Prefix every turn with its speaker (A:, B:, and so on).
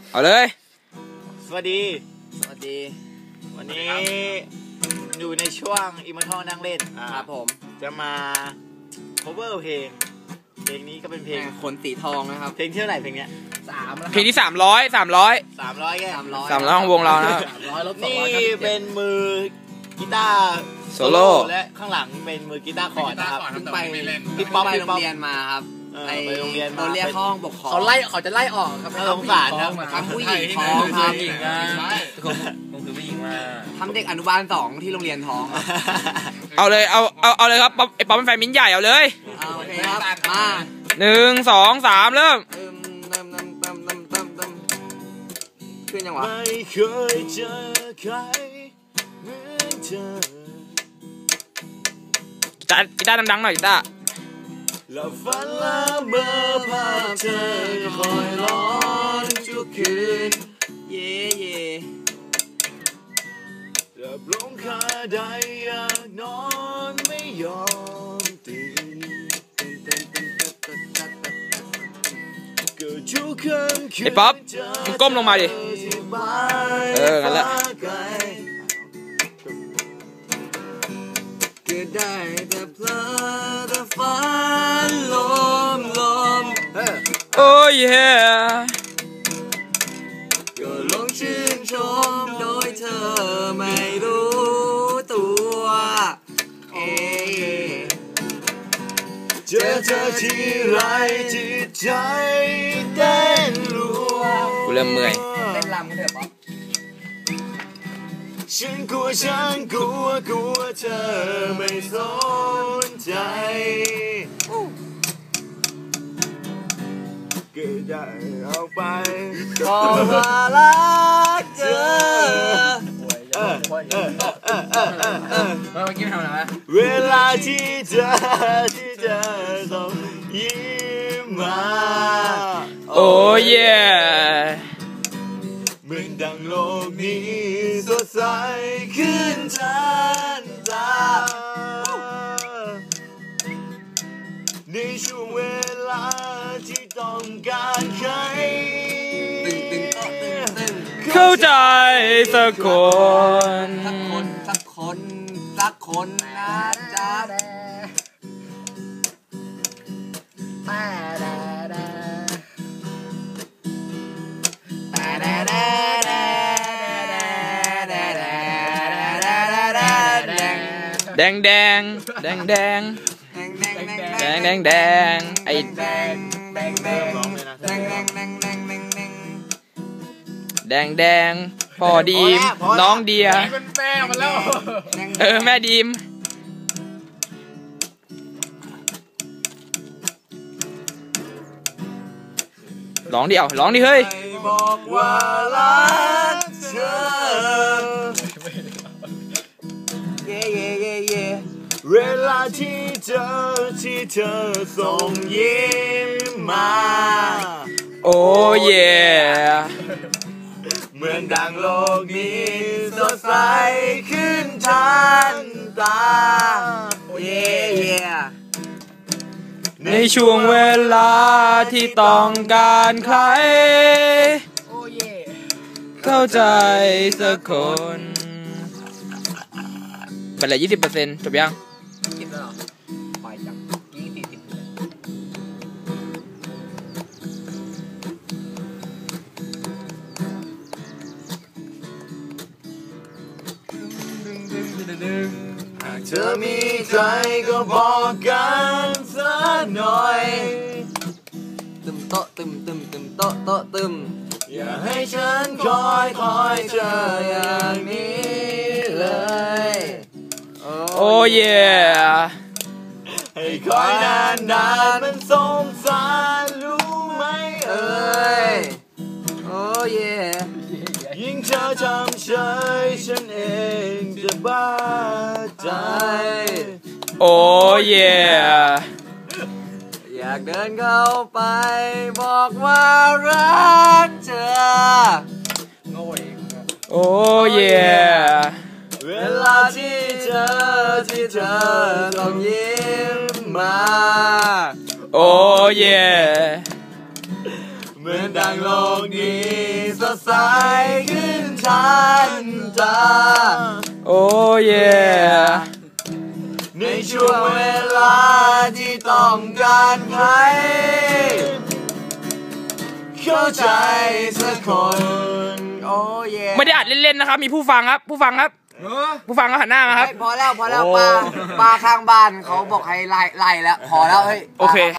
A: เอาเลย
B: สวัสดี
C: วันนี้
B: อยู่ในช่วงอิมมอร์ทัลนั่งเล่น
C: ครับผม
B: จะมา cover เพลงนี้ก็เป็นเพลง
C: ขนสีทองนะครับ
B: เพลงที่เท่าไหร่เพลงเนี้ย
A: เพลงที่300
B: ของ
A: วงเรานะ
B: นี่เป็นมือกีตาร์
A: โซโล่
B: และข้างหลังเป็นมือกีตาร์คอร์ดนะครับ
C: เพิ่งไปโรงเรียนมาครับ
B: ไปโรงเรียนมา
C: เรียกห้องปกครองเขาจะไล่ออกครับ
B: สงสารครับ
C: ทำผู้หญิงท้องครับ
D: ผมคือผู้หญิงมา
C: ทำเด็กอนุบาล2ที่โรงเรียนท้อง
A: เอาเลยเอาเลยครับไอ้ป๊อปเป็นแฟนมิ้นใหญ่เอาเลย
C: โอเคครับมา
A: 1 2 3เริ่ม
C: ขึ้นยังวะ
B: ไม่เคยเจอใครเหมือนเธอ
A: กีตาร์ดังๆหน่อยกีตาร์
B: และฝันละเมื่อภาพเธอคอยร้อนทุกคืน
C: เย่
B: จะปลงคาได้อยากนอนไม่ยอมตื่น
A: ไอ้ป๊อปมึงก้มลงมาดิงั้นแหละ
C: ก็ได้แต่เพลิดแต่ฝันลม
A: โอ้ยเฮ้
C: ก็ลงชื่นชมโดยเธอไม่รู้ตัว
B: เจอเธอที่ไรจิตใจเต้นรัว
A: กูเริ่มเมื่อย
C: เต้นรำกันเถอะป๊อป
B: ฉันกลัวเธอไม่สนใจก็ได้เอาไป
C: ก็ว่ารักเธอ
D: เมื่อกี้ทำอะไรวะ
B: เวลาที่เธอต้องยิ้มมา
A: โอ้เย่
B: เหมือนดังโลกนี้สดใสขึ้นทันตาในช่วงเวลาที่ต้องการใคร
A: เข้าใจสักคน
C: นะจ๊ะ
A: แดงไอ้แดงพ่อดีมน้องเดีย
D: เป็นแม่มันแล้ว
A: แม่ดีมร้องดิเฮ้ย
B: บอกว่ารักเธอเวลาที่เธอส่งยิ้มมา
A: โอ้เย่
B: เหมือนดังโลกนี้สดใสขึ้นทันตา
C: เย่
A: ในช่วงเวลาที่ต้องการใครเข้าใจสักคนเป็นไร20%จบยัง
C: แล้วไปจัง
B: หากเธอมีใครก็บอกกันสักหน่อย
C: ตึมโต๊ะ
B: อย่าให้ฉันคอยเจออย่างนี้เลย
A: โอ้เย่
B: ให้คอยนานมันสงสารรู้ไหมเอ่ย
C: โอ้เย่
B: ยิ่งเธอทำเฉยฉันเองจะบ้าใจ
A: โอ้เย่
C: อยากเดินเข้าไปบอกว่ารักเธอ
A: โอ้เย่
B: เวลาที่เธอต้องยิ้มมา
A: โอ้เย่
B: เหมือนดังโลกนี้สสดใสขึ้นทันตา
A: โอ้เย่
B: ในช่วงเวลาที่ต้องการใครเข้าใจสักคนโอ้เย่
A: ไม่ได้อัดเล่นๆนะครับมีผู้ฟังครับผู้ฟังครับหันหน้ามาครับ
C: พอแล้วปลาข้างบ้านเขาบอกให้ไล่แล้วพอแล้วเฮ้ย
A: โอเค